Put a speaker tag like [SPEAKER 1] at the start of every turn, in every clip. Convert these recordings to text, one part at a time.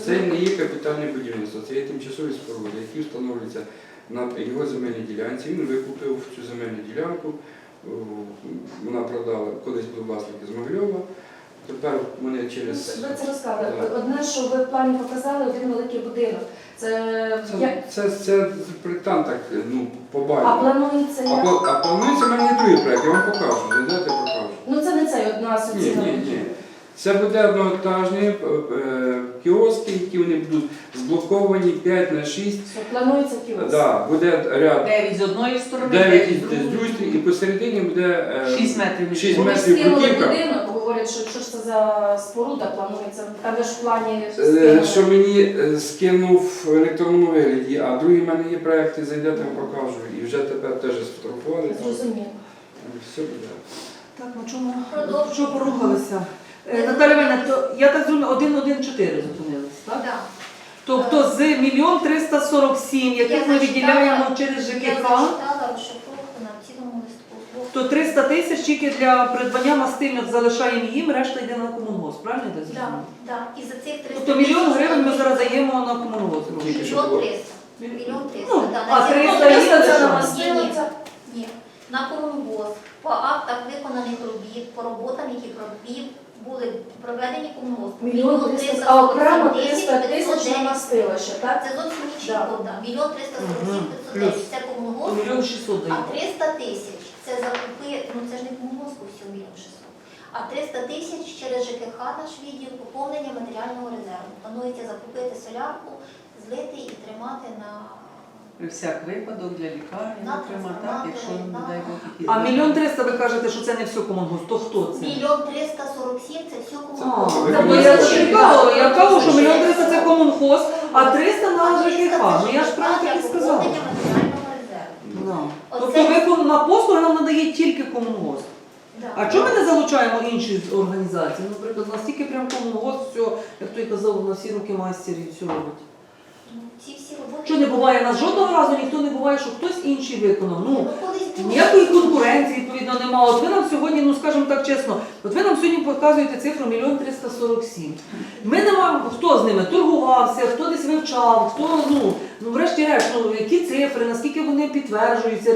[SPEAKER 1] Це не є капітальне будівництво, це є тимчасові споруди, які встановлюються на його земельній ділянці. Він викупив цю земельну ділянку, вона продала, колись був власник з Могильова. Тепер вони через...
[SPEAKER 2] Ви це розказали. Одне, що ви в плані показали, один великий будинок.
[SPEAKER 1] Це проєктант так, побачив.
[SPEAKER 2] А планується як?
[SPEAKER 1] А планується в мене є другий проєкт, я вам покажу. Дайте покажу.
[SPEAKER 2] Ну це не цей одна асоційна.
[SPEAKER 1] Ні. Це буде одноетажні кіоски, які вони будуть зблоковані 5х6.
[SPEAKER 2] Планується кіоск.
[SPEAKER 1] Так, буде ряд
[SPEAKER 3] 9 з одної сторони,
[SPEAKER 1] 9 з другої, і посередині буде
[SPEAKER 3] 6 метрів.
[SPEAKER 1] 6
[SPEAKER 2] Вони
[SPEAKER 1] метрів
[SPEAKER 2] скинули
[SPEAKER 1] бруківка.
[SPEAKER 2] будинок, говорять, що ж це за споруда планується. Там же ж в плані
[SPEAKER 1] Що мені скинув в електронному вигляді, а другий в мене є проєкти, зайдете, я покажу. І вже тепер теж сфотографували.
[SPEAKER 2] Зрозуміло.
[SPEAKER 1] Все буде.
[SPEAKER 3] Так, на чому порухалися? Наталя Іванівна, то я так зрозуміла, 1,14 зупинилися, так?
[SPEAKER 4] Так.
[SPEAKER 3] Тобто з 1 347 000, яких ми виділяємо через
[SPEAKER 4] Я
[SPEAKER 3] ЖКХ,
[SPEAKER 4] зачитала розшифровку на цілому листку.
[SPEAKER 3] то 300 тисяч тільки для придбання мастильних залишаємо їм, решта йде на комунгосп, правильно я так
[SPEAKER 4] Так,
[SPEAKER 3] зрозуміла?
[SPEAKER 4] так. І за цих 300
[SPEAKER 3] Тобто 1 000 000 гривень ми зараз даємо на комунгосп.
[SPEAKER 1] Тільки що
[SPEAKER 4] Мільйон
[SPEAKER 1] було.
[SPEAKER 4] 300. Мільйон 300,
[SPEAKER 3] Ну,
[SPEAKER 4] так.
[SPEAKER 3] а
[SPEAKER 4] На ці
[SPEAKER 3] 300
[SPEAKER 4] комунгосп-
[SPEAKER 3] є
[SPEAKER 2] це
[SPEAKER 3] що?
[SPEAKER 2] на мастилиця?
[SPEAKER 4] Ні. На комунгосп, по актах виконаних робіт, по роботам, які були проведені комунгоспом.
[SPEAKER 2] Мільйон 300, а окремо 300 тисяч на мастилище, так?
[SPEAKER 4] Це зовсім нічого,
[SPEAKER 2] Так.
[SPEAKER 4] так. Мільйон 347
[SPEAKER 3] Плюс.
[SPEAKER 4] 510 це
[SPEAKER 3] То
[SPEAKER 4] комунгосп.
[SPEAKER 3] 1 600 000
[SPEAKER 4] А
[SPEAKER 3] даємо.
[SPEAKER 4] 300 тисяч це закупи, це ж не комунгоспу всього 1 600 000. А 300 тисяч через ЖКХ наш відділ поповнення матеріального резерву. Планується закупити солярку, злити і тримати на...
[SPEAKER 3] При всяк випадок для лікарні,
[SPEAKER 4] На
[SPEAKER 3] зокрема, так,
[SPEAKER 4] трансформатори,
[SPEAKER 3] якщо, не
[SPEAKER 4] на-
[SPEAKER 3] дай Бог, якісь... А 1 300 000 ви кажете, що це не все комунгосп, то хто це?
[SPEAKER 4] Мільйон 347 це все
[SPEAKER 3] А,
[SPEAKER 4] комунгосп.
[SPEAKER 1] Це
[SPEAKER 3] бо я
[SPEAKER 1] комунгосп.
[SPEAKER 3] чекала, я кажу, що 1 300 000 це комунгосп, а 300 на ЖКХ. Ну я ж правильно так і сказала.
[SPEAKER 4] Поповнення матеріального резерву.
[SPEAKER 3] Да.
[SPEAKER 4] Оце-
[SPEAKER 3] Тобто на послуги нам надає тільки комунгосп.
[SPEAKER 4] Да.
[SPEAKER 3] А чому ми не залучаємо інші організації? Наприклад, у нас тільки прям комунгосп, все, як той казав, на всі руки майстер і все робить.
[SPEAKER 4] Ну, ці всі роботи...
[SPEAKER 3] Що не буває, нас жодного разу ніхто не буває, що хтось інший виконав. Ну,
[SPEAKER 4] колись було.
[SPEAKER 3] ніякої конкуренції, відповідно, немає. От ви нам сьогодні, ну скажімо так чесно, от ви нам сьогодні показуєте цифру 1 347 000. Ми не маємо, хто з ними торгувався, хто десь вивчав, хто, врешті-решт, які цифри, наскільки вони підтверджуються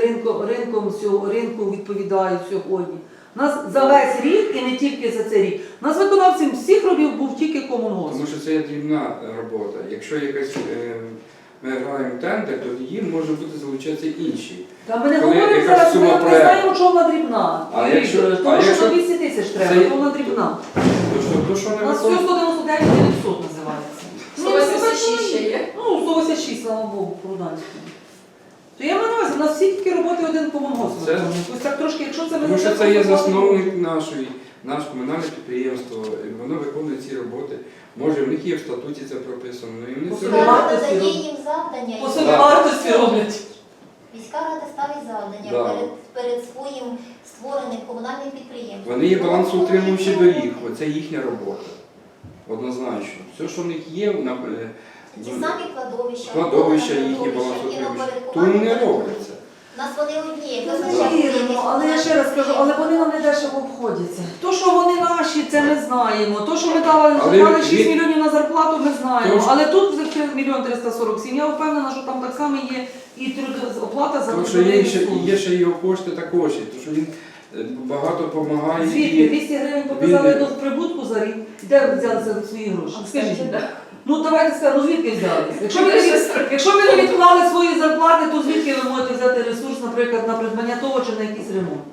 [SPEAKER 3] ринку відповідають сьогодні. У нас за весь рік, і не тільки за цей рік, у нас виконавцем всіх робів був тільки комунгосп.
[SPEAKER 1] Тому що це є дрібна робота. Якщо якась ми граємо тендер, то тоді може бути залучатися інші.
[SPEAKER 3] Та ми не
[SPEAKER 1] Коли
[SPEAKER 3] говоримо
[SPEAKER 1] якась
[SPEAKER 3] зараз,
[SPEAKER 1] сума
[SPEAKER 3] ми не
[SPEAKER 1] проекту.
[SPEAKER 3] знаємо, чого вона дрібна.
[SPEAKER 1] А якщо-
[SPEAKER 3] Тому
[SPEAKER 1] а
[SPEAKER 3] що
[SPEAKER 1] якщо-
[SPEAKER 3] 200 тисяч треба,
[SPEAKER 1] Це-
[SPEAKER 3] то вона дрібна.
[SPEAKER 1] То що
[SPEAKER 3] У
[SPEAKER 1] не
[SPEAKER 3] нас все
[SPEAKER 1] виконує?
[SPEAKER 3] 199 900 називається.
[SPEAKER 2] 186 ще є?
[SPEAKER 3] Ну, 186, слава Богу, проданську. То я маю на увазі, у нас всі тільки роботи один комунгосп
[SPEAKER 1] Це-
[SPEAKER 3] виконує. Ось так трошки, якщо це ми
[SPEAKER 1] Тому що
[SPEAKER 3] не
[SPEAKER 1] це є
[SPEAKER 3] так
[SPEAKER 1] засновник наше комунальне підприємство, і воно виконує ці роботи. Може, в них є в статуті це прописано, і вони
[SPEAKER 3] По
[SPEAKER 1] це
[SPEAKER 3] собі
[SPEAKER 1] роблять.
[SPEAKER 4] Міська
[SPEAKER 3] вартості
[SPEAKER 4] рада дає
[SPEAKER 3] роблять.
[SPEAKER 4] їм завдання.
[SPEAKER 3] по
[SPEAKER 4] і
[SPEAKER 3] собі
[SPEAKER 4] вони
[SPEAKER 3] вартості
[SPEAKER 4] роблять.
[SPEAKER 3] роблять.
[SPEAKER 4] Міська рада ставить завдання
[SPEAKER 1] Да.
[SPEAKER 4] перед своїм створеним комунальним підприємством.
[SPEAKER 1] Вони є балансоутримуючі доріг, оце їхня робота. Однозначно. Все, що в них є,
[SPEAKER 4] Ті самі кладовища,
[SPEAKER 1] кладовища
[SPEAKER 4] робота на
[SPEAKER 1] їхні
[SPEAKER 4] кладовищах,
[SPEAKER 1] балансоутримуючі.
[SPEAKER 4] і
[SPEAKER 1] То вони не
[SPEAKER 4] упорядкування.
[SPEAKER 1] робляться.
[SPEAKER 4] У нас вони одні, як
[SPEAKER 3] Віримо, але я ще раз кажу, але вони нам не дешево обходяться. То, що вони наші, це ми знаємо. То, що ми
[SPEAKER 1] Але
[SPEAKER 3] заклали 6
[SPEAKER 1] від-
[SPEAKER 3] мільйонів на зарплату, ми знаємо.
[SPEAKER 1] Тож-
[SPEAKER 3] Але тут 1 347 000, я впевнена, що там так само є і оплата за
[SPEAKER 1] Тому що є ще його кошти також, тому що він багато допомагає.
[SPEAKER 3] Звідки? 200 гривень показали до прибутку за рік. Де ви взяли за свої гроші? Скажіть. Ну давайте скажемо, звідки взялися? Якщо ви не відклали свої зарплати, то звідки ви можете взяти ресурс, наприклад, на придбання того чи на якийсь ремонт?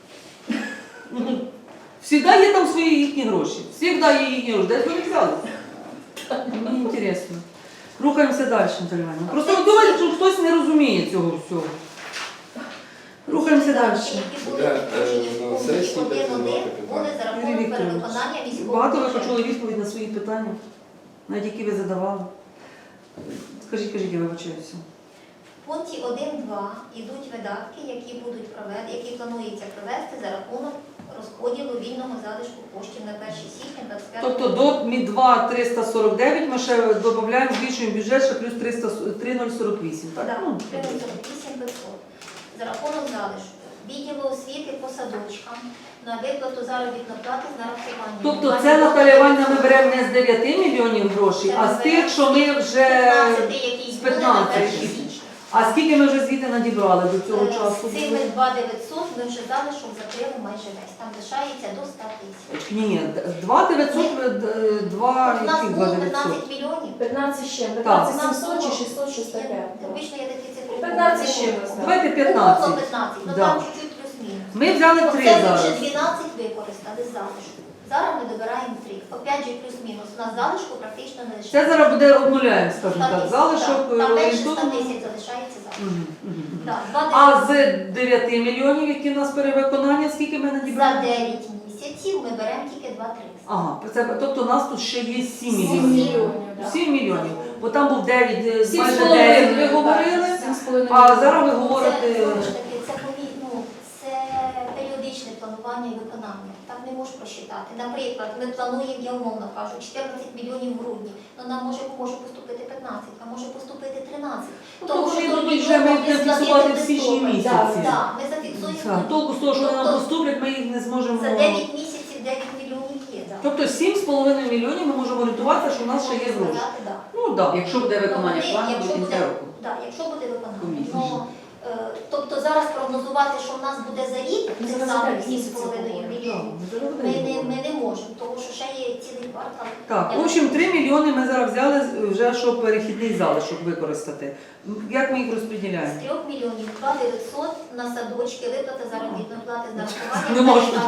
[SPEAKER 3] Всігда є там свої їхні гроші. Всігда є їхні гроші. Де ж вони взяли? Мені цікаво. Рухаємося далі, Наталя Іванівна. Просто думаєте, що хтось не розуміє цього всього. Рухаємося далі.
[SPEAKER 1] Буде, на сесії буде задавати питання.
[SPEAKER 4] буде за
[SPEAKER 3] Юрій
[SPEAKER 4] рахунок
[SPEAKER 3] Вікторович,
[SPEAKER 4] перевиконання військового
[SPEAKER 3] багато ви
[SPEAKER 4] бюджету.
[SPEAKER 3] почули відповідь на свої питання, навіть які ви задавали. Кажіть, я вибачаюся.
[SPEAKER 4] В пункті 1.2 йдуть видатки, які планується провести за рахунок розподілу вільного залишку коштів на 1 січня 25
[SPEAKER 3] Тобто до МІ-2 349 ми ще додаємо, збільшуємо бюджет ще плюс 3048, так?
[SPEAKER 4] Так,
[SPEAKER 3] Ну,
[SPEAKER 4] 348 500 за рахунок залишку. відділу освіти по садочкам на виплату заробітної плати з нарахуванням.
[SPEAKER 3] Тобто це, Наталя Іванівна, ми беремо не з 9 мільйонів грошей, а з тих, що ми вже...
[SPEAKER 4] 15, який
[SPEAKER 3] з
[SPEAKER 4] буде на
[SPEAKER 3] 15.
[SPEAKER 4] 1 січня.
[SPEAKER 3] А скільки ми вже звідти надібрали до цього часу?
[SPEAKER 4] З цими 2900 ми вже залишок закрили майже весь. Там лишається до 100 тисяч.
[SPEAKER 3] Ні, 2900,
[SPEAKER 4] У нас
[SPEAKER 3] яких
[SPEAKER 4] було
[SPEAKER 3] 2900?
[SPEAKER 4] 15 мільйонів.
[SPEAKER 2] 15 ще,
[SPEAKER 4] У
[SPEAKER 2] 15
[SPEAKER 4] нас
[SPEAKER 2] 700 чи
[SPEAKER 4] було-
[SPEAKER 2] 600, щось таке.
[SPEAKER 4] Обично я такі цифри.
[SPEAKER 2] 15 ще ми знаємо.
[SPEAKER 3] Давайте
[SPEAKER 4] Було
[SPEAKER 3] 15.
[SPEAKER 4] 15, ну
[SPEAKER 3] Да.
[SPEAKER 4] там чуть-чуть плюс-мінус.
[SPEAKER 3] Ми взяли 3
[SPEAKER 4] Оце ми
[SPEAKER 3] зараз.
[SPEAKER 4] вже 12 використали з залишку. Зараз ми добираємо 3. Опять же плюс-мінус. У нас залишку практично не лишається.
[SPEAKER 3] Це зараз буде обнуляємо, скажімо так, залишок.
[SPEAKER 4] Там менше 100
[SPEAKER 3] орієнтовно.
[SPEAKER 4] тисяч залишається залишок.
[SPEAKER 3] Мгм, мгм, мгм.
[SPEAKER 4] Так,
[SPEAKER 3] А з 9 мільйонів, які в нас перевиконання, скільки ми
[SPEAKER 4] за
[SPEAKER 3] надібрали?
[SPEAKER 4] 9 місяців ми беремо тільки 2-3.
[SPEAKER 3] Ага, тобто у нас тут ще є 7
[SPEAKER 2] 7
[SPEAKER 3] мільйонів.
[SPEAKER 2] мільйонів, да.
[SPEAKER 3] 7 мільйонів. Бо там був 9,
[SPEAKER 2] Сім
[SPEAKER 3] майже
[SPEAKER 2] з половиною,
[SPEAKER 3] 9 ви
[SPEAKER 2] так,
[SPEAKER 3] говорили,
[SPEAKER 2] 7,5
[SPEAKER 3] а зараз ви
[SPEAKER 4] Це,
[SPEAKER 3] говорите...
[SPEAKER 4] знову ж таки, це періодичне планування і виконання. Так не можеш просчитати. Наприклад, ми плануємо, я умовно кажу, 14 мільйонів в грудні, але нам може поступити 15, а може поступити 13.
[SPEAKER 3] Тобто вони
[SPEAKER 4] що
[SPEAKER 3] будуть вже ми будемо фіксувати в січні місяці.
[SPEAKER 4] Так, ми зафіксуємо.
[SPEAKER 3] Так, толку з того, що вони нам
[SPEAKER 4] Тобто
[SPEAKER 3] поступлять, ми їх не зможемо...
[SPEAKER 4] За 9 місяців 9 мільйонів є. Да.
[SPEAKER 3] Тобто 7,5 мільйонів ми можемо орієнтуватися, що в нас ще є
[SPEAKER 4] Можна
[SPEAKER 3] гроші.
[SPEAKER 4] сказати, да.
[SPEAKER 3] Ну так.
[SPEAKER 5] Якщо буде виконання
[SPEAKER 4] Ну,
[SPEAKER 5] плану
[SPEAKER 4] якщо
[SPEAKER 5] до кінця
[SPEAKER 4] буде-
[SPEAKER 5] року.
[SPEAKER 4] Так, якщо буде виконання.
[SPEAKER 5] Комісія.
[SPEAKER 4] Ну, тобто зараз прогнозувати, що в нас буде за рік,
[SPEAKER 2] Ми
[SPEAKER 4] цих
[SPEAKER 2] зараз
[SPEAKER 4] самих
[SPEAKER 2] опять місяці
[SPEAKER 4] 7,5
[SPEAKER 2] говоримо.
[SPEAKER 4] мільйонів, ми не можемо, тому що ще є цілий квартал.
[SPEAKER 3] Так, в общем, 3 мільйони ми зараз взяли вже, щоб перехідний залишок використати. Як ми їх
[SPEAKER 4] З
[SPEAKER 3] розподіляємо?
[SPEAKER 4] 3 мільйонів 2 900 на садочки, виплата заробітної плати з нарахуванням.
[SPEAKER 3] Не можна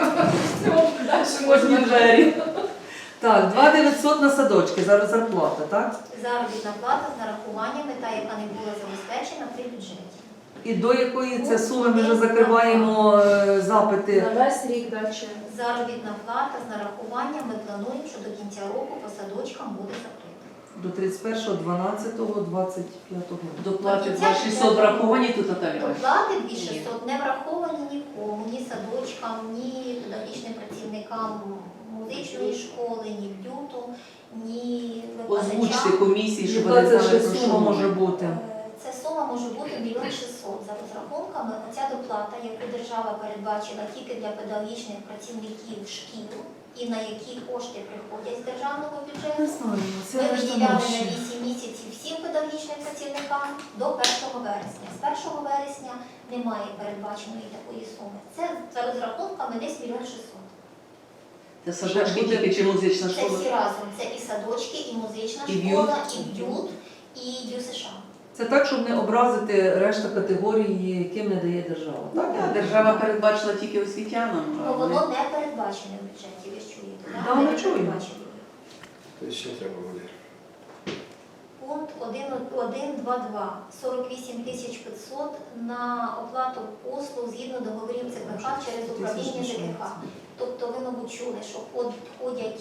[SPEAKER 3] кожні двері. Так, 2 900 на садочки, зараз зарплата, так?
[SPEAKER 4] Заробітна плата з нарахуваннями, та, яка не була забезпечена при бюджеті.
[SPEAKER 3] І до якої це суми ми вже закриваємо запити?
[SPEAKER 2] На весь рік далі.
[SPEAKER 4] Заробітна плата з нарахуванням ми плануємо, що до кінця року по садочкам буде закрита.
[SPEAKER 3] До 31.12.25 року.
[SPEAKER 5] Доплати 2600 враховані тут, Наталя Іванівна?
[SPEAKER 4] Доплати 2600 не враховані нікому, ні садочкам, ні педагогічним працівникам музичної школи, ні б'юту, ні
[SPEAKER 5] Озвучте
[SPEAKER 4] викладачам.
[SPEAKER 5] комісії, щоб
[SPEAKER 3] Яка
[SPEAKER 5] вони
[SPEAKER 3] це
[SPEAKER 5] знали,
[SPEAKER 3] ще
[SPEAKER 5] про що
[SPEAKER 3] сума може
[SPEAKER 5] мова.
[SPEAKER 3] бути?
[SPEAKER 4] Ця сума може бути 1 600 000 за розрахунками. Оця доплата, яку держава передбачила тільки для педагогічних працівників шкіл і на які кошти приходять з державного
[SPEAKER 3] Не
[SPEAKER 4] бюджету.
[SPEAKER 3] знаю, це
[SPEAKER 4] Ми
[SPEAKER 3] решта
[SPEAKER 4] виділяли на
[SPEAKER 3] наші.
[SPEAKER 4] 8 місяців всім педагогічним працівникам до 1 вересня. З 1 вересня немає передбаченої такої суми. Це за розрахунками десь 1 600 000.
[SPEAKER 5] Це садочки тільки чи музична
[SPEAKER 4] Це
[SPEAKER 5] школа?
[SPEAKER 4] всі разом. Це і садочки, і музична
[SPEAKER 5] І
[SPEAKER 4] школа,
[SPEAKER 5] б'ют.
[SPEAKER 4] і б'ют, і ДЮСШ.
[SPEAKER 3] Це так, щоб не образити решта категорій, яким не дає держава. Так?
[SPEAKER 5] Так, держава передбачила тільки освітянам. а
[SPEAKER 4] Ну,
[SPEAKER 5] вони-
[SPEAKER 4] воно не передбачене в бюджеті, ви ж чуєте, так?
[SPEAKER 3] Да, ми чуємо.
[SPEAKER 1] То ще треба буде.
[SPEAKER 4] Пункт 1.2.2. 48 500 на оплату послуг згідно договорів ЦПХ через управління ЖКХ. Тобто ви, мабуть, чули, що входять,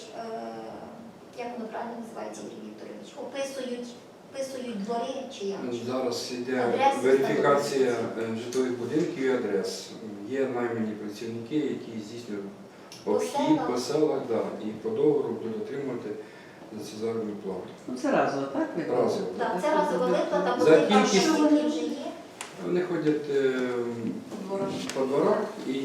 [SPEAKER 4] як воно правильно називається, Юрій Вікторович, описують двори чи як?
[SPEAKER 1] Зараз йде
[SPEAKER 4] Адреси
[SPEAKER 1] верифікація
[SPEAKER 4] встановлюються.
[SPEAKER 1] житлових будинків і адрес. Є наймані працівники, які здійснюють обхід
[SPEAKER 4] селах.
[SPEAKER 1] по селах, да, і по договору будуть отримувати за це заробітну плату.
[SPEAKER 5] Ну це разово, так?
[SPEAKER 1] Разово.
[SPEAKER 4] Так, це разова виплата,
[SPEAKER 1] За
[SPEAKER 4] коли там
[SPEAKER 1] кількість-
[SPEAKER 4] працівники вже є.
[SPEAKER 1] Вони ходять
[SPEAKER 5] По дворах.
[SPEAKER 1] по дворах і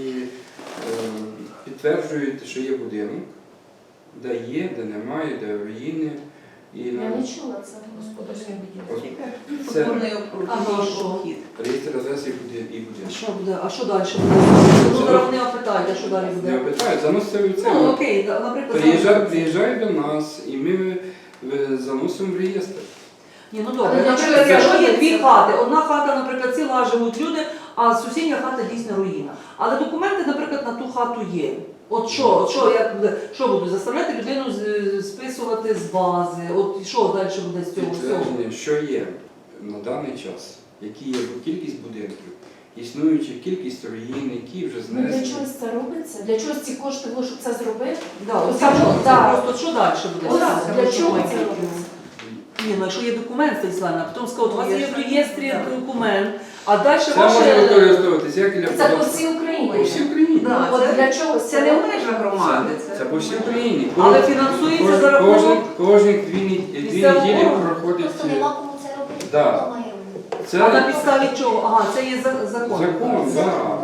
[SPEAKER 1] підтверджують, що є будинок, де є, де немає, де руїни. І
[SPEAKER 2] Я
[SPEAKER 1] на
[SPEAKER 2] не чула це господарське будівництво.
[SPEAKER 1] це
[SPEAKER 5] Футбольний
[SPEAKER 3] Ага, що?
[SPEAKER 5] обхід.
[SPEAKER 1] реєстр адреси і
[SPEAKER 3] А
[SPEAKER 1] будинок.
[SPEAKER 3] що буде? А що далі буде? Ну, зараз вони опитають, а що далі
[SPEAKER 1] Не
[SPEAKER 3] буде?
[SPEAKER 1] питають, заносили в це.
[SPEAKER 3] Ну, окей, наприклад,
[SPEAKER 1] Приїжджають до нас і ми заносимо в реєстр.
[SPEAKER 3] Ні, ну
[SPEAKER 2] Але
[SPEAKER 3] добре.
[SPEAKER 2] для
[SPEAKER 3] Наприклад,
[SPEAKER 2] чого
[SPEAKER 3] якщо є
[SPEAKER 2] це?
[SPEAKER 3] дві хати, одна хата, наприклад, ціла живуть люди, а сусідня хата дійсно руїна. Але документи, наприклад, на ту хату є. От що буду заставляти людину списувати з бази? От що далі буде з цього всього?
[SPEAKER 1] Підтвердження, що є на даний час, які є кількість будинків, існуюча кількість руїн, які вже
[SPEAKER 2] Ну, для
[SPEAKER 1] знесли.
[SPEAKER 2] чогось це робиться? Для чогось ці кошти було, щоб це зробити?
[SPEAKER 3] Да, от
[SPEAKER 2] Саме,
[SPEAKER 3] це
[SPEAKER 2] да.
[SPEAKER 3] просто що далі буде?
[SPEAKER 2] Ось
[SPEAKER 3] Так,
[SPEAKER 2] для
[SPEAKER 3] що
[SPEAKER 2] чого
[SPEAKER 3] ми
[SPEAKER 2] це
[SPEAKER 3] тільки-
[SPEAKER 2] робиться?
[SPEAKER 3] Ні, ну якщо є документ, Станіславна, а потім сказав, у вас є в реєстрі документ, а далі
[SPEAKER 1] Це може
[SPEAKER 3] ваше...
[SPEAKER 1] використовуватися як для
[SPEAKER 2] Це по
[SPEAKER 1] податку.
[SPEAKER 2] всій Україні.
[SPEAKER 1] По всій Україні.
[SPEAKER 5] Да,
[SPEAKER 2] От
[SPEAKER 5] це-
[SPEAKER 2] для чого
[SPEAKER 5] Це не в межах громади.
[SPEAKER 1] Це по всій Україні.
[SPEAKER 3] Але фінансується за рахунок...
[SPEAKER 1] Кожні дві
[SPEAKER 3] Місцевого
[SPEAKER 1] неділі
[SPEAKER 3] органу.
[SPEAKER 1] проходить.
[SPEAKER 4] Просто нема кому це робити.
[SPEAKER 1] Да.
[SPEAKER 4] Хто має робити?
[SPEAKER 3] А на
[SPEAKER 1] Це
[SPEAKER 3] підставі чого? Ага, це є закон.
[SPEAKER 1] закон,
[SPEAKER 4] Це
[SPEAKER 1] да.
[SPEAKER 4] закон, да.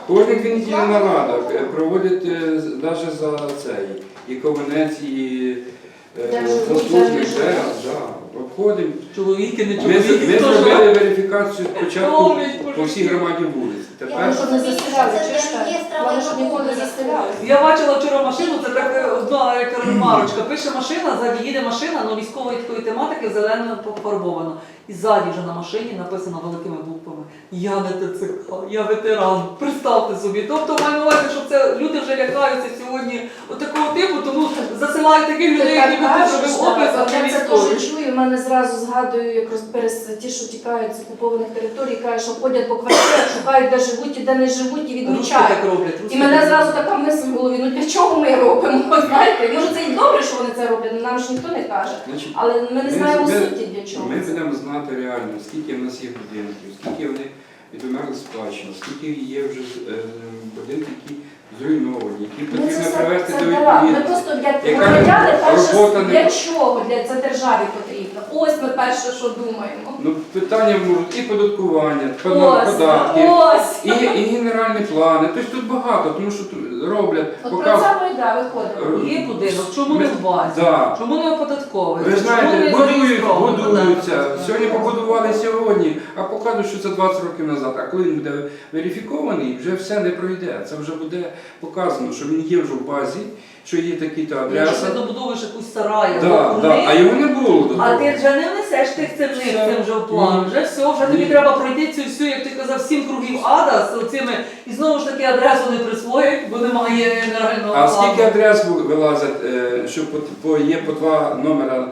[SPEAKER 1] Кожні 2 неділі нарада проводять навіть за цей, і ковенець, і заслужений обходимо.
[SPEAKER 3] Чоловіки, не
[SPEAKER 1] Ми
[SPEAKER 3] чоловіки. хто ж?
[SPEAKER 1] зробили верифікацію спочатку
[SPEAKER 3] Роблять,
[SPEAKER 1] по всій громаді вулиць.
[SPEAKER 4] Я
[SPEAKER 1] Тепер
[SPEAKER 2] Щоб не
[SPEAKER 4] розумію,
[SPEAKER 2] застряли,
[SPEAKER 4] що це
[SPEAKER 2] чуєш,
[SPEAKER 4] для реєстра
[SPEAKER 2] вони ж ніколи не
[SPEAKER 4] майнового
[SPEAKER 2] застряли.
[SPEAKER 3] Я бачила вчора машину, це так одна ремарочка. Пише машина, ззаді їде машина, але військової такої тематики зеленою пофарбовано. І ззаді вже на машині написано великими буквами: я не ТЦК, я ветеран. Представте собі. Тобто маю на увазі, що це люди вже лякаються сьогодні от такого типу, тому засилають таких людей, які би зробив опис, а не
[SPEAKER 2] Я це
[SPEAKER 3] військовий.
[SPEAKER 2] теж чую, в мене зразу згадую, як ті, що тікають з окупованих територій, кажуть, що ходять по квартирах, шукають, де живуть і де не живуть, і
[SPEAKER 3] Русські
[SPEAKER 2] відмічають.
[SPEAKER 3] так роблять.
[SPEAKER 2] І
[SPEAKER 3] русські
[SPEAKER 2] мене
[SPEAKER 3] так
[SPEAKER 2] зразу
[SPEAKER 3] роблять.
[SPEAKER 2] така мисль в голові, ну для чого ми робимо, знаєте? Може це і добре, що вони це роблять, нам ж ніхто не каже.
[SPEAKER 1] Значить,
[SPEAKER 2] Але ми не знаємо
[SPEAKER 1] ми-
[SPEAKER 2] суті для чого.
[SPEAKER 1] ми
[SPEAKER 2] це.
[SPEAKER 1] будемо знати реально, скільки в нас є будинків, скільки вони відомерли спадщину, скільки є вже будинків, які зруйновані, які
[SPEAKER 2] Ми це
[SPEAKER 1] потрібно
[SPEAKER 2] все
[SPEAKER 1] привести
[SPEAKER 2] це
[SPEAKER 1] до
[SPEAKER 2] дала. Ми
[SPEAKER 1] відповідності.
[SPEAKER 2] просто для
[SPEAKER 1] Яка
[SPEAKER 2] громадяни перше,
[SPEAKER 1] робота не-
[SPEAKER 2] для чого для це державі потрібно. Ось ми перше, що думаємо.
[SPEAKER 1] Ну, питання можуть і податкування,
[SPEAKER 2] Ось,
[SPEAKER 1] податки,
[SPEAKER 2] ось.
[SPEAKER 1] і генеральні плани. Тобто тут багато, тому що тут роблять,
[SPEAKER 2] От про
[SPEAKER 1] показують.
[SPEAKER 2] це ми йде виходимо.
[SPEAKER 3] Є будинок, чому не в базі?
[SPEAKER 1] Да.
[SPEAKER 3] Чому не оподатковий?
[SPEAKER 1] Ви знаєте, будуються.
[SPEAKER 3] будуються.
[SPEAKER 1] Сьогодні побудували сьогодні, а показують, що це 20 років назад. А коли він буде верифікований, вже все не пройде. Це вже буде показано, що він є вже в базі, що є такі-то
[SPEAKER 3] Якщо
[SPEAKER 1] адреса.
[SPEAKER 3] ти добудовуєш якусь сарай,
[SPEAKER 1] Да,
[SPEAKER 3] або
[SPEAKER 1] да.
[SPEAKER 3] курник,
[SPEAKER 1] А його не було до
[SPEAKER 3] а
[SPEAKER 1] того.
[SPEAKER 3] ти вже не внесеш тих цивних
[SPEAKER 1] Все.
[SPEAKER 3] цим вже в план.
[SPEAKER 1] Ні.
[SPEAKER 3] Вже все, вже тобі
[SPEAKER 1] Ні.
[SPEAKER 3] треба пройти цю всю, як ти казав, 7 кругів ада з цими, і знову ж таки адресу не присвоїть, бо немає генерального
[SPEAKER 1] А
[SPEAKER 3] плану.
[SPEAKER 1] скільки адрес вилазять, що є по 2 номера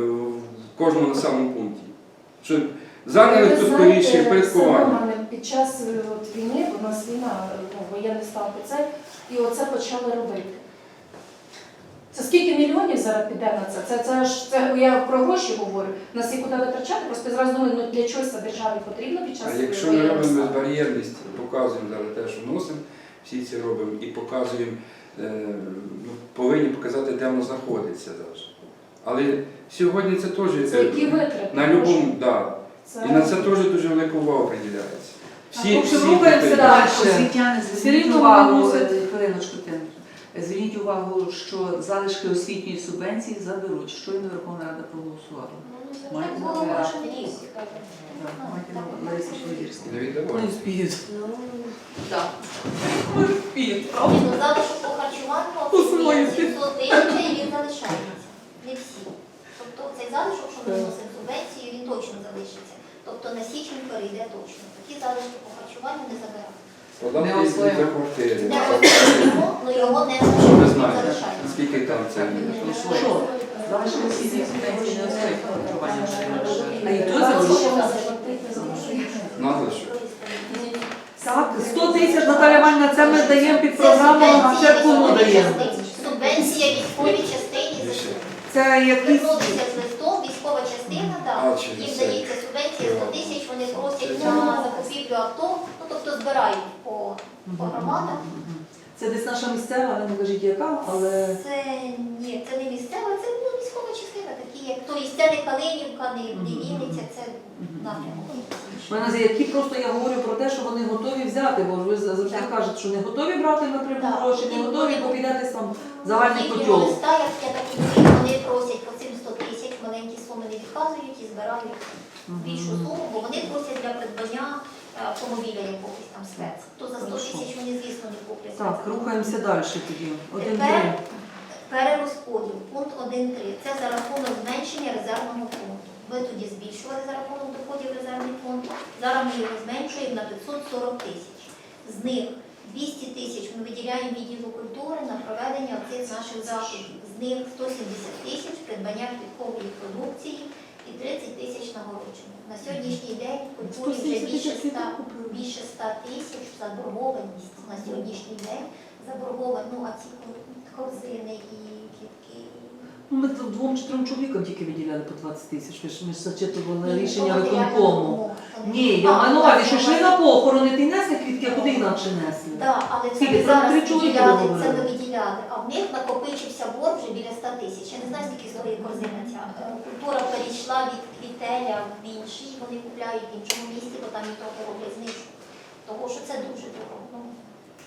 [SPEAKER 1] в кожному населеному пункті? Що зайняли
[SPEAKER 2] Ви
[SPEAKER 1] тут
[SPEAKER 2] знаєте,
[SPEAKER 1] скоріше
[SPEAKER 2] все
[SPEAKER 1] впорядкування.
[SPEAKER 2] нормально. Під час війни, бо у нас війна, воєнний стан це, і оце почали робити. Це скільки мільйонів зараз піде на це? Це я про гроші говорю. Нас і куди витрачати, просто я зразу думаю, ну для чогось це державі потрібно під час
[SPEAKER 1] А якщо ми
[SPEAKER 2] воєнного
[SPEAKER 1] робимо
[SPEAKER 2] стану?
[SPEAKER 1] безбар'єрність, показуємо зараз те, що носимо, всі це робимо і показуємо, повинні показати, де воно знаходиться. Навіть. Але сьогодні це теж
[SPEAKER 2] Це які витрати?
[SPEAKER 1] на любому, да.
[SPEAKER 2] Це...
[SPEAKER 1] І на це теж дуже велика увага приділяється.
[SPEAKER 3] В общем, рухаємося
[SPEAKER 1] дітей.
[SPEAKER 3] далі.
[SPEAKER 5] Освітяни,
[SPEAKER 3] Все
[SPEAKER 5] зверніть
[SPEAKER 3] рівно
[SPEAKER 5] увагу,
[SPEAKER 3] вони мусять-
[SPEAKER 5] хвилиночку, Тим. Зверніть увагу, що залишки освітньої субвенції заберуть. Щойно Верховна Рада проголосувала.
[SPEAKER 4] Ну,
[SPEAKER 5] Маєте
[SPEAKER 4] так було
[SPEAKER 5] на увазі.
[SPEAKER 4] кожен рік.
[SPEAKER 5] Так, Маєте на увазі Лариса Швидірська.
[SPEAKER 1] Не
[SPEAKER 3] Не
[SPEAKER 1] віддавайте.
[SPEAKER 3] вспіють.
[SPEAKER 4] Ну, так.
[SPEAKER 3] Не вспіють,
[SPEAKER 4] Ні,
[SPEAKER 3] правда?
[SPEAKER 4] ну залишок по харчуванню
[SPEAKER 3] Усвоїти.
[SPEAKER 4] 700 тисяч і він залишається. Не всі. Тобто цей залишок, що ми вносимо субвенцію, він точно залишиться. Тобто на січень перейде точно. Такі залишки по харчуванню не забирають.
[SPEAKER 1] Податки
[SPEAKER 5] Не освоїмо.
[SPEAKER 1] за квартири.
[SPEAKER 4] Не освоїмо, але його не
[SPEAKER 1] Що ви
[SPEAKER 4] залишають, він
[SPEAKER 1] знаєте,
[SPEAKER 4] залишається.
[SPEAKER 1] скільки там це?
[SPEAKER 3] Що?
[SPEAKER 5] Залишки освітньої субвенції не освоїть харчування.
[SPEAKER 3] А і то
[SPEAKER 1] Надлишок.
[SPEAKER 3] Так, 100 тисяч, Наталя Іванівна, це ми даємо під програму, а це кому даємо?
[SPEAKER 4] Субвенція військовій частині за
[SPEAKER 3] Це якісь...
[SPEAKER 4] звернутися з листом, військова частина, так,
[SPEAKER 1] А, чи
[SPEAKER 4] їм
[SPEAKER 1] це?
[SPEAKER 4] дається субвенція 100 тисяч, вони просять на закупівлю авто, ну тобто збирають по громадах.
[SPEAKER 3] Це десь наша місцева, ви не кажіть яка, але...
[SPEAKER 4] Це ні, це не місцева, це військова частина, такі як тобто це не Калинівка, не Вінниця, це напрямок.
[SPEAKER 3] В мене які просто я говорю про те, що вони готові взяти, бо ви завжди
[SPEAKER 4] Так.
[SPEAKER 3] кажете, що не готові брати напряму
[SPEAKER 4] Так.
[SPEAKER 3] гроші, не готові, бо піде десь там загальний
[SPEAKER 4] Їхнього
[SPEAKER 3] котел.
[SPEAKER 4] листа, як я так розумію, вони просять по цим 100 тисяч, маленькі суми не відказують і збирають більшу суму, бо вони просять для придбання автомобіля якогось там спец. То за 100 тисяч вони, звісно, не куплять.
[SPEAKER 3] Так, рухаємося далі тоді.
[SPEAKER 4] Тепер
[SPEAKER 3] 1-3.
[SPEAKER 4] перерозподіл, пункт 1.3. Це за рахунок зменшення резервного фонду. Ви тоді збільшували за рахунок доходів резервний фонд. Зараз ми його зменшуємо на 540 тисяч. З них 200 тисяч ми виділяємо відділу культури на проведення цих наших заходів. З них 170 тисяч придбання квіткової продукції і 30 тисяч нагородження. На сьогоднішній день в культурі вже більше 100 тисяч заборгованість на сьогоднішній день. Заборговані, ну а ці корзини і квітки.
[SPEAKER 3] Ну, ми 2-3 чоловікам тільки виділяли по 20 тисяч, ми ж зачитували
[SPEAKER 4] Ні,
[SPEAKER 3] рішення
[SPEAKER 4] то
[SPEAKER 3] виконкому.
[SPEAKER 4] матеріальна допомога.
[SPEAKER 3] Ні, я маю на увазі, що йшли на похорони, ти несли квітки, а куди інакше несли?
[SPEAKER 4] Так, але це
[SPEAKER 3] Скільки?
[SPEAKER 4] ми
[SPEAKER 3] Там
[SPEAKER 4] зараз
[SPEAKER 3] 3 чоловіка
[SPEAKER 4] виділяли,
[SPEAKER 3] договорили.
[SPEAKER 4] це ми виділяли, а в них накопичився борг вже біля 100 тисяч. Я не знаю, скільки стоїть корзина ця. Культура перейшла від квітеля в інший, вони купляють в іншому місці, бо там і трохи роблять знижку. Тому що це дуже дорого. Ну,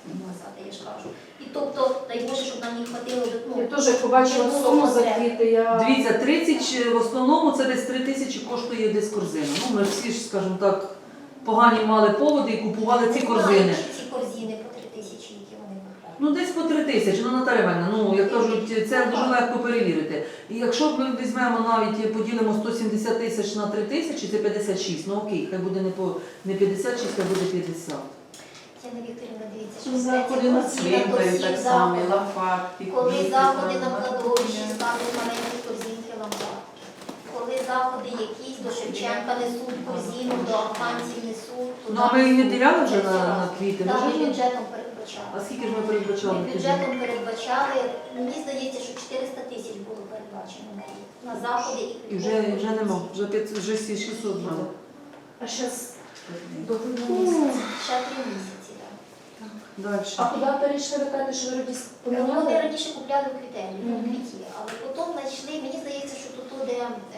[SPEAKER 4] сказати, я ж кажу. І тобто, дай Боже, щоб нам не хватило
[SPEAKER 2] Я теж як побачила суму за квіти, я...
[SPEAKER 3] Дивіться, 30 в основному це десь 3 тисячі коштує десь корзина. Ну, ми всі ж, скажімо так, погані мали поводи і купували ці корзини.
[SPEAKER 4] Ці корзини по 3 тисячі, які вони купують.
[SPEAKER 3] Ну, десь по 3 тисячі, ну, Наталя Іванівна, ну, як кажуть, це дуже легко перевірити. І якщо ми візьмемо навіть, поділимо 170 тисяч на 3 тисячі, це 56, ну окей, хай буде не 56, хай буде 50.
[SPEAKER 4] Тетяна Вікторівна, дивіться, що
[SPEAKER 5] Що заходи на цвинтарі так само, лопатки,
[SPEAKER 4] коли
[SPEAKER 5] квіти,
[SPEAKER 4] заходи на
[SPEAKER 5] там,
[SPEAKER 4] кладовищі, ставлять маленькі корзинки лампадки. Коли заходи якісь до Шевченка несуть корзину, до афганців несуть.
[SPEAKER 3] Ну, а ми її не діляли вже на квіти?
[SPEAKER 4] Так,
[SPEAKER 3] Ми
[SPEAKER 4] ми
[SPEAKER 3] вже-
[SPEAKER 4] бюджетом передбачали.
[SPEAKER 3] А скільки ж ми передбачали?
[SPEAKER 4] Ми
[SPEAKER 3] тоді?
[SPEAKER 4] бюджетом передбачали, мені здається, що 400 тисяч було передбачено на заходи
[SPEAKER 3] І вже нема, вже 600 було.
[SPEAKER 2] А зараз до грудня
[SPEAKER 5] Ну,
[SPEAKER 2] місяця.
[SPEAKER 4] ще 3 місяці. Так.
[SPEAKER 3] Далі.
[SPEAKER 2] А куди перейшли, ви кажете, що ви
[SPEAKER 4] Вони
[SPEAKER 2] поміняли?
[SPEAKER 4] раніше купляли в квітелі, в
[SPEAKER 2] Мгм.
[SPEAKER 4] квіті, але потім знайшли, мені здається, що тут де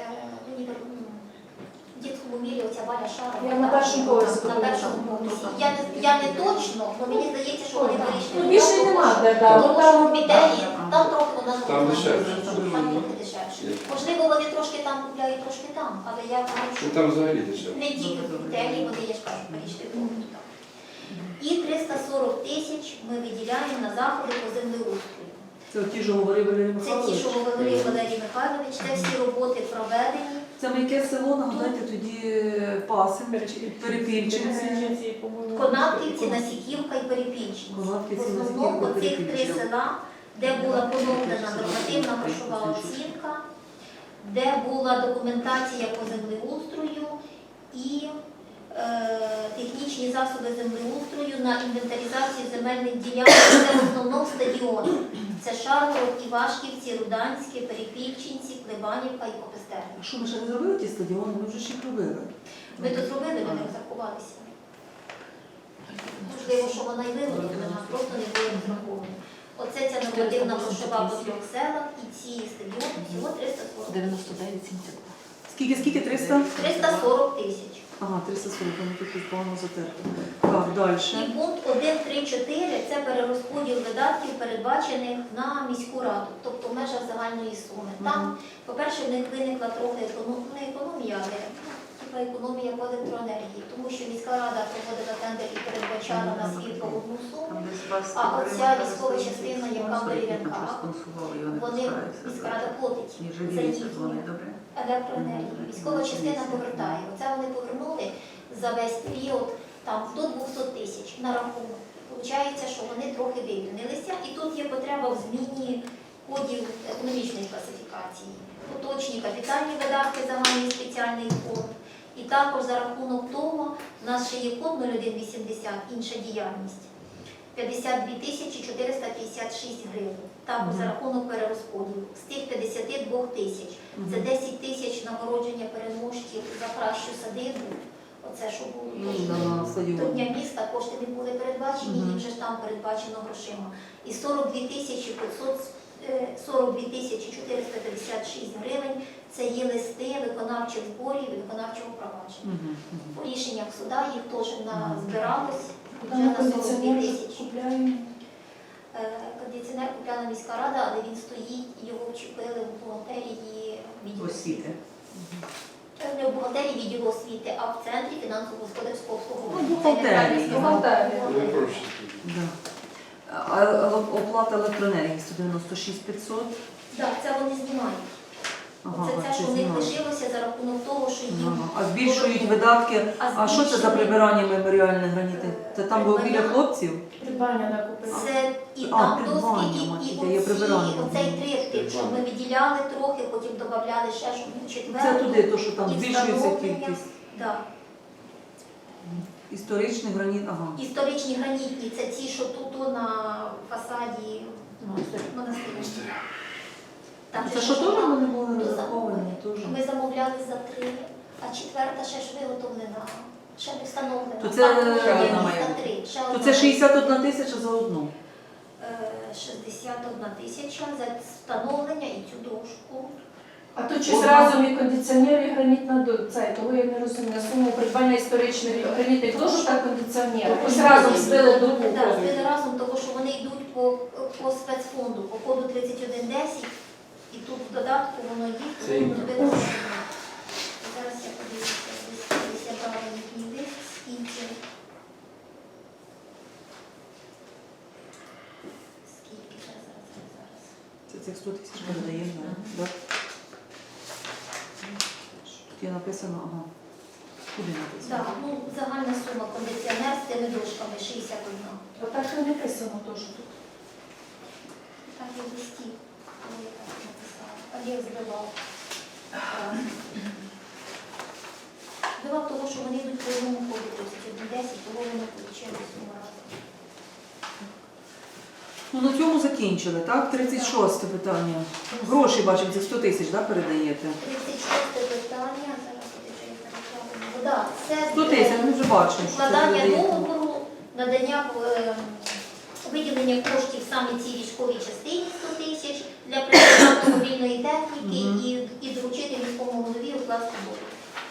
[SPEAKER 4] в дітському мірі оця Валя Шарова.
[SPEAKER 2] Я на першому поверсі
[SPEAKER 4] На
[SPEAKER 2] була.
[SPEAKER 4] першому поверсі. Я не точно, але мені здається, що вони вирішили.
[SPEAKER 2] Ну, більше й нема де, да.
[SPEAKER 4] Тому
[SPEAKER 2] Ну,
[SPEAKER 4] що
[SPEAKER 2] там-
[SPEAKER 4] в квітелі, там трохи вона
[SPEAKER 1] Там дешевше.
[SPEAKER 4] Там трохи дешевше. Можливо, вони трошки там купляють, трошки там, але я думаю, що
[SPEAKER 1] Ну, там взагалі дешевше.
[SPEAKER 4] не тільки в квітелі, вони, я ж кажу, перейшли трохи туди. І 340 тисяч ми виділяємо на заходи по землеустрою.
[SPEAKER 3] Це ті, що говорив Валерій
[SPEAKER 4] Це ті,
[SPEAKER 3] Михайлович.
[SPEAKER 4] що говорив Валерій Михайлович, це всі роботи проведені.
[SPEAKER 3] Це ми яке село, нагадайте, тоді Пасин, Перепільчинці.
[SPEAKER 4] Конатківці, Насіківка і Перепільчинці. В
[SPEAKER 3] Конатківці,
[SPEAKER 4] основному
[SPEAKER 3] Насіківка,
[SPEAKER 4] оцих 3
[SPEAKER 3] Перепільчинці.
[SPEAKER 4] села, де була поновлена нормативна грошова оцінка, де була документація по землеустрою і технічні засоби землеустрою на інвентаризацію земельних ділянок. Це в основному стадіони. Це Шаргород, Івашківці, Руданське, Перепільчинці, Клебанівка і Копестерня.
[SPEAKER 3] А що, ми ще не зробили ті стадіони? Ми вже ж їх робили.
[SPEAKER 4] Ми тут зробили, ми не розрахувалися. Можливо, що вона й виготовлена, просто не було розраховано. Оце ця нормативна грошова по 3 селах і ці стадіони всього 340.
[SPEAKER 5] 99,72.
[SPEAKER 3] Скільки? 300?
[SPEAKER 4] 340 тисяч.
[SPEAKER 3] Ага, 340, вони тут їх погано затерто. Так, далі.
[SPEAKER 4] І пункт 1.3.4 – це перерозподіл видатків, передбачених на міську раду, тобто в межах загальної суми. Там, по-перше, в них виникла трохи не економія, але типа економія по електроенергії, тому що міська рада проводила тендер і передбачала на світло одну суму,
[SPEAKER 5] Там десь вас
[SPEAKER 4] а оця військова частина, яка в дерев'янках, вони, міська рада платить за їхню
[SPEAKER 5] добре?
[SPEAKER 4] електроенергію. Військова частина повертає. Оце вони повернули за весь період там, до 200 тисяч на рахунок. Получається, що вони трохи вивільнилися, і тут є потреба в зміні кодів економічної класифікації. Поточні капітальні видатки, загальний спеціальний фонд. І також за рахунок того, у нас ще є код 0180, інша діяльність. 52 тисячі 456 гривень. Також за рахунок перерозподілу. З тих 52 тисяч. Це 10 тисяч нагородження переможців за кращу садибу. Оце, що було.
[SPEAKER 3] На
[SPEAKER 4] До
[SPEAKER 3] стадіоні.
[SPEAKER 4] Дня міста кошти не були передбачені, їм вже ж там передбачено грошима. І 42 тисячі 456 гривень – це є листи виконавчих зборів і виконавчого провадження. По рішеннях суда їх теж збиралось вже
[SPEAKER 2] Там
[SPEAKER 4] на 42
[SPEAKER 2] кондиціонер
[SPEAKER 4] тисячі.
[SPEAKER 2] купляємо.
[SPEAKER 4] Кондиціонер купляла міська рада, але він стоїть, його вчепили в бухгалтерії відділу
[SPEAKER 5] Освіти.
[SPEAKER 4] Не в бухгалтерії відділу освіти, а в центрі фінансово-господарського обслуговування.
[SPEAKER 3] Ну, бухгалтерії.
[SPEAKER 2] Бухгалтерії.
[SPEAKER 1] Ви проще.
[SPEAKER 3] Да. А оплата електроенергії 196 500.
[SPEAKER 4] Так, це вони знімають.
[SPEAKER 3] Ага,
[SPEAKER 4] Це те, що в них
[SPEAKER 3] знімають.
[SPEAKER 4] лишилося за рахунок того, що їм
[SPEAKER 3] Ага. А збільшують видатки. А що це за прибирання меморіальних гранітів? Це там було біля хлопців?
[SPEAKER 2] Придбання накупили.
[SPEAKER 4] Це і
[SPEAKER 3] А,
[SPEAKER 4] там
[SPEAKER 3] придбання,
[SPEAKER 4] доски,
[SPEAKER 3] мать,
[SPEAKER 4] і
[SPEAKER 3] є прибирання.
[SPEAKER 4] оцей триптих, що ми виділяли трохи, потім додавали ще, щоб був
[SPEAKER 3] Це
[SPEAKER 4] четвертий.
[SPEAKER 3] туди, то що там
[SPEAKER 4] І
[SPEAKER 3] збільшується
[SPEAKER 4] встановлення.
[SPEAKER 3] кількість.
[SPEAKER 4] Так.
[SPEAKER 3] Історичний граніт, ага.
[SPEAKER 4] Історичні гранітні, це ті, що тут на фасаді монастиря. Там
[SPEAKER 3] Це
[SPEAKER 4] же
[SPEAKER 3] що
[SPEAKER 4] ж
[SPEAKER 3] теж
[SPEAKER 4] вона
[SPEAKER 3] вони були
[SPEAKER 4] до
[SPEAKER 3] розраховані?
[SPEAKER 4] замовлення.
[SPEAKER 3] Теж.
[SPEAKER 4] Ми замовляли за 3, а четверта ще ж виготовлена, ще не встановлена.
[SPEAKER 3] То це-
[SPEAKER 4] Там
[SPEAKER 5] Ще
[SPEAKER 4] є
[SPEAKER 5] одна має
[SPEAKER 4] міста
[SPEAKER 5] бути.
[SPEAKER 4] 3. Ще
[SPEAKER 3] То
[SPEAKER 4] одна.
[SPEAKER 3] це 61 тисяча за одну.
[SPEAKER 4] 61 тисяча за встановлення і цю дошку.
[SPEAKER 2] А тут щось разом і кондиціонер, і гранітна цей, того я не розумію. Суму придбання історичних гранітних дошок та кондиціонер. Ось разом збили до купу.
[SPEAKER 4] Так, збили разом, тому що вони йдуть по спецфонду, по коду 3110, і тут в додатку воно їх,
[SPEAKER 1] Це
[SPEAKER 4] тому
[SPEAKER 1] інка.
[SPEAKER 4] збили разом. Зараз я подивлюся, десь я брала їхній лист, скільки. Скільки, зараз.
[SPEAKER 3] Це цих 100 тисяч ми додаємо, так? Тут є написано, ага. Куди написано?
[SPEAKER 4] Так, ну, загальна сума кондиціонер з тими дошками 61.
[SPEAKER 2] Отак і написано теж тут.
[SPEAKER 4] Так і в листі, коли я так написала. Олег збивав. Збивав того, що вони йдуть по одному ходу 3110, того вони отримали суму разом.
[SPEAKER 3] Ну, на цьому закінчили, так? 36 питання. Гроші, бачимо, це 100 тисяч, так, передаєте?
[SPEAKER 4] 36 питання, зараз я вже їх перекладу. Так, це
[SPEAKER 3] 100 тисяч, ми вже бачимо, що це
[SPEAKER 4] укладання
[SPEAKER 3] передаєте.
[SPEAKER 4] договору, надання виділення коштів саме цій військовій частині 100 тисяч для придбання автомобільної техніки і доручити міському голові укласти договір.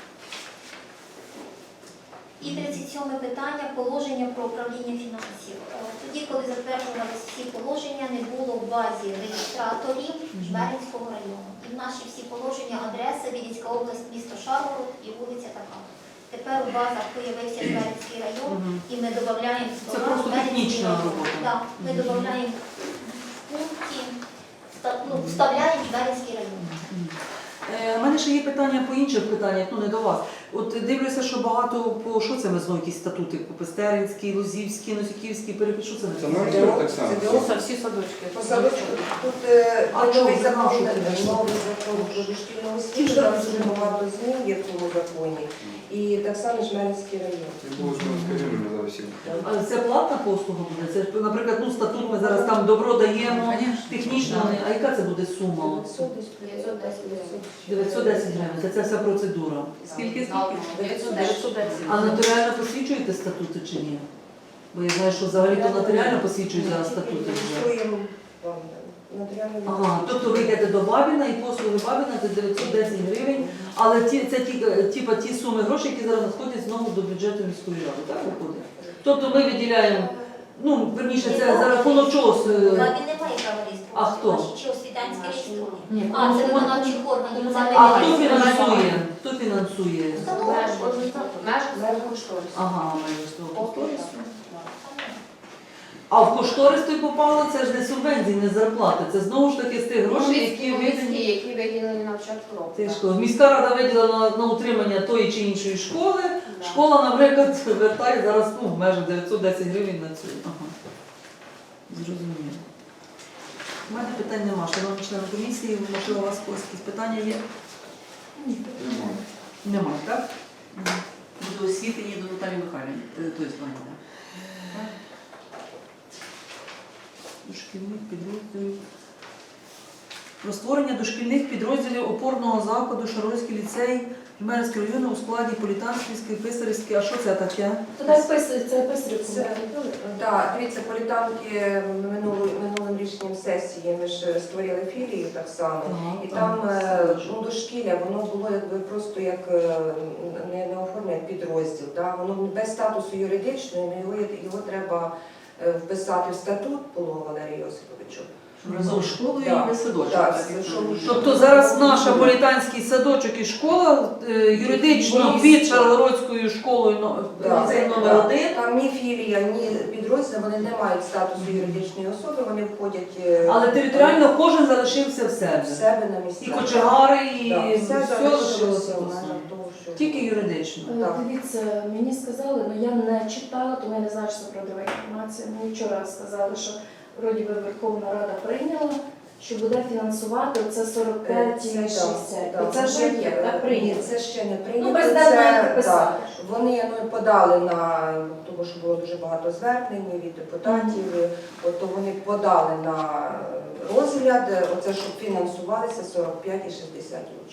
[SPEAKER 4] І 37 питання – положення про управління фінансів. Тоді, коли затверджувалися всі положення, не було в базі реєстраторів Жмеринського району. І в наші всі положення адреса Вінницька область, місто Шаргород і вулиця така. Тепер у базах появився Жмеринський район, і ми додаємо
[SPEAKER 3] Це просто технічна робота.
[SPEAKER 4] Так, ми додаємо в пункті, вставляємо Жмеринський район.
[SPEAKER 3] У мене ще є питання по інших питаннях, ну не до вас. От дивлюся, що багато по що це ми знову якісь статути? По Пестеринській, Лозівській, Носиківській, що це
[SPEAKER 1] Це
[SPEAKER 3] написано?
[SPEAKER 1] нормально так само.
[SPEAKER 6] Це всі садочки.
[SPEAKER 7] По садочку тут
[SPEAKER 3] А
[SPEAKER 7] новий
[SPEAKER 3] чому?
[SPEAKER 7] закон,
[SPEAKER 3] Що ти
[SPEAKER 7] новий закон про дошкільну освіту, там дуже багато змін є в цьому законі. І так само Жмеринський район.
[SPEAKER 1] Не було ж скажімо, ми зараз всі.
[SPEAKER 3] А це платна послуга буде? Це, наприклад, ну статут ми зараз там добро даємо, технічно, а яка це буде сума? От? 910 гривень, це вся процедура.
[SPEAKER 5] Скільки?
[SPEAKER 6] 910.
[SPEAKER 3] А нотаріально посвідчуєте статути чи ні? Бо я знаю, що взагалі то нотаріально посвідчують зараз статути вже.
[SPEAKER 7] Реєструємо вам нотаріальну
[SPEAKER 3] Ага, тобто ви йдете до Бабіна і послуги Бабіна це 910 гривень, але це ті суми грошей, які зараз надходять знову до бюджету міської ради, так виходить? Тобто ми виділяємо, ну, верніше, це за рахунок чого?
[SPEAKER 4] Він не має права реєструвати.
[SPEAKER 3] А хто?
[SPEAKER 4] Чи освітянське реєструє?
[SPEAKER 6] Ні,
[SPEAKER 4] А, це виконавчих органів. Це
[SPEAKER 3] А
[SPEAKER 4] ми
[SPEAKER 3] хто
[SPEAKER 4] не
[SPEAKER 3] фінансує? Хто фінансує?
[SPEAKER 6] Меж кошторису.
[SPEAKER 3] Ага, майже з того кошторису. А в кошторис той попало, це ж не субвенції, не зарплати. Це знову ж таки з тих грошей, які видані.
[SPEAKER 6] які виділені на початку року.
[SPEAKER 3] Це ж міська рада виділила на утримання тої чи іншої школи. Школа, наприклад, вертає зараз в межах 910 гривень на цю. Ага. Зрозуміло. У мене питань нема. Шановні члени комісії, можливо, у вас якісь питання є?
[SPEAKER 1] Немає.
[SPEAKER 3] Немає, так?
[SPEAKER 5] До освіти ні до Наталії Михайлівни. Тобто, Ваня.
[SPEAKER 3] Дошкільних підрозділів. Про створення дошкільних підрозділів опорного закладу Шаргородський ліцей Жмеринського району у складі Політанківської, Писарівської. А що це таке?
[SPEAKER 2] Туди вписується, це Писарівку.
[SPEAKER 7] Так, дивіться, політанки минулим рішенням сесії ми ж створили філію так само. І там ну, дошкілля, воно було якби просто як не оформлене як підрозділ. Да? Воно без статусу юридичного, його треба вписати в статут Полова Валерію Йосиповичу.
[SPEAKER 5] Разом з школою
[SPEAKER 7] Так,
[SPEAKER 5] і садочок.
[SPEAKER 7] так,
[SPEAKER 3] Тобто зараз наша політанський садочок і школа юридично під Шаргородською школою ліцей номер 1.
[SPEAKER 7] Там ні філія, ні підрозділ, вони не мають статусу юридичної особи, вони входять
[SPEAKER 3] Але територіально кожен залишився в
[SPEAKER 7] в
[SPEAKER 3] себе.
[SPEAKER 7] себе на місці.
[SPEAKER 3] І кочегари, і
[SPEAKER 7] Так,
[SPEAKER 3] все
[SPEAKER 7] все залишилося
[SPEAKER 3] лишилося.
[SPEAKER 7] в межах того, що...
[SPEAKER 3] Тільки юридично.
[SPEAKER 7] Так.
[SPEAKER 2] Дивіться, мені сказали, ну я не читала, тому я не знаю, що це правдива інформація. Мені вчора сказали, що вроді би Верховна Рада прийняла, що буде фінансувати оце 45 і 60. І це вже є, так, прийнято.
[SPEAKER 7] Ні, це ще не прийнято.
[SPEAKER 2] Ну, президент має
[SPEAKER 7] Це,
[SPEAKER 2] підписати.
[SPEAKER 7] так, вони подали на, тому що було дуже багато звернень від депутатів, от, то вони подали на розгляд, оце, щоб фінансувалися 45 і 60 учнів.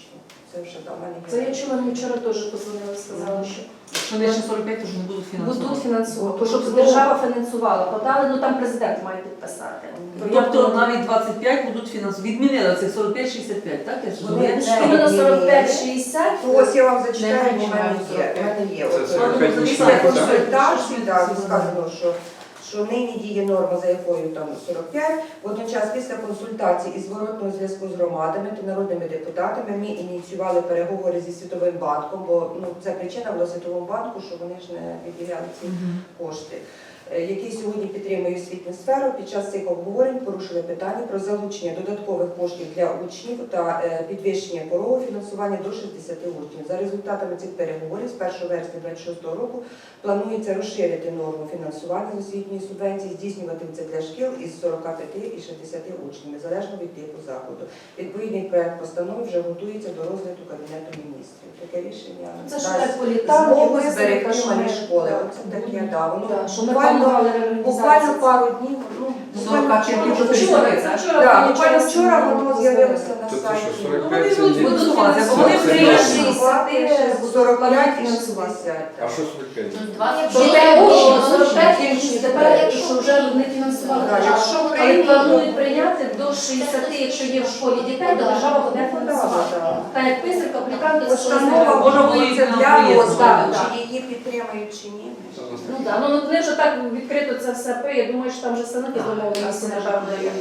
[SPEAKER 7] Це вже до мене.
[SPEAKER 2] Це я чула, мені вчора теж позвонили, сказали, що
[SPEAKER 3] Якщо нижче 45, то вже не будуть фінансувати.
[SPEAKER 2] будуть фінансувати, щоб держава фінансувала. Подали, ну там президент має підписати.
[SPEAKER 3] Тобто навіть 25 будуть фінансувати. Відмінили цих 45-65, так? Я ж
[SPEAKER 7] Вони
[SPEAKER 3] розумію.
[SPEAKER 7] не-
[SPEAKER 2] Іменно 45-60.
[SPEAKER 7] Ну, ось я вам зачитаю,
[SPEAKER 6] Не
[SPEAKER 7] бо в
[SPEAKER 6] менше
[SPEAKER 7] мене є.
[SPEAKER 6] 45.
[SPEAKER 7] В мене є.
[SPEAKER 1] Це
[SPEAKER 7] От,
[SPEAKER 1] 45
[SPEAKER 7] після
[SPEAKER 1] нічого, так?
[SPEAKER 7] консультацій так,
[SPEAKER 3] Всі
[SPEAKER 7] сказано, що нині діє норма, за якою там 45. Водночас після консультацій і зворотного зв'язку з громадами та народними депутатами ми ініціювали переговори зі Світовим банком, бо ну, це причина була Світовому банку, що вони ж не виділяли ці кошти, який сьогодні підтримує освітню сферу. Під час цих обговорень порушили питання про залучення додаткових коштів для учнів та підвищення порогу фінансування до 60 учнів. За результатами цих переговорів з 1 вересня 2026 року планується розширити норму фінансування з освітньої субвенції, здійснювати це для шкіл із 45 і 60 учнів, незалежно від типу закладу. Відповідний проект постанови вже готується до розгляду Кабінету міністрів. Таке рішення
[SPEAKER 2] Це ж
[SPEAKER 7] дасть
[SPEAKER 2] так політали,
[SPEAKER 7] змогу
[SPEAKER 2] висновка,
[SPEAKER 7] зберегти
[SPEAKER 2] що
[SPEAKER 7] малі
[SPEAKER 2] ми-
[SPEAKER 7] школи. Оце таке, да, воно
[SPEAKER 2] що ми
[SPEAKER 7] буквально
[SPEAKER 2] планували
[SPEAKER 7] буквально
[SPEAKER 2] реорганізацію.
[SPEAKER 7] пару днів, ну, буквально
[SPEAKER 5] 45
[SPEAKER 7] вчора,
[SPEAKER 5] вже
[SPEAKER 2] Вчора,
[SPEAKER 5] прийшли,
[SPEAKER 2] це
[SPEAKER 5] так?
[SPEAKER 2] вчора.
[SPEAKER 7] да,
[SPEAKER 2] мені
[SPEAKER 7] буквально
[SPEAKER 2] вчора
[SPEAKER 7] вчора воно
[SPEAKER 2] позвонили.
[SPEAKER 7] з'явилося на
[SPEAKER 1] Тобто,
[SPEAKER 7] сайті.
[SPEAKER 1] що
[SPEAKER 3] Ну,
[SPEAKER 1] 45
[SPEAKER 3] вони
[SPEAKER 1] це
[SPEAKER 3] будуть
[SPEAKER 1] не-
[SPEAKER 3] фінансувати, бо вони
[SPEAKER 1] Це
[SPEAKER 3] приїжджі.
[SPEAKER 7] 45 і 60.
[SPEAKER 1] А що 45?
[SPEAKER 2] Що те учні, 45 учнів, тепер, що вже не фінансували.
[SPEAKER 7] Так, якщо
[SPEAKER 2] Але
[SPEAKER 7] прийняти-
[SPEAKER 2] планують прийняти до 60, якщо є в школі дітей, то держава буде
[SPEAKER 7] Ну,
[SPEAKER 2] фінансувати.
[SPEAKER 7] да, да.
[SPEAKER 2] Так як писарка, полікарка, це що
[SPEAKER 7] Постанова
[SPEAKER 3] Може,
[SPEAKER 7] готується
[SPEAKER 3] вони
[SPEAKER 7] для
[SPEAKER 3] приїдуть.
[SPEAKER 7] розгляду,
[SPEAKER 2] Так,
[SPEAKER 7] чи її підтримають, чи ні.
[SPEAKER 2] Ну так, ну вони вже так відкрито це все пиє, я думаю, що там вже стануть домовленості, напевно. є.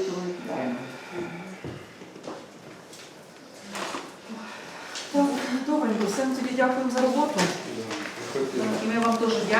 [SPEAKER 3] Добренько, всім тоді дякуємо за роботу.
[SPEAKER 1] Да.
[SPEAKER 5] І ми вам дуже дякуємо.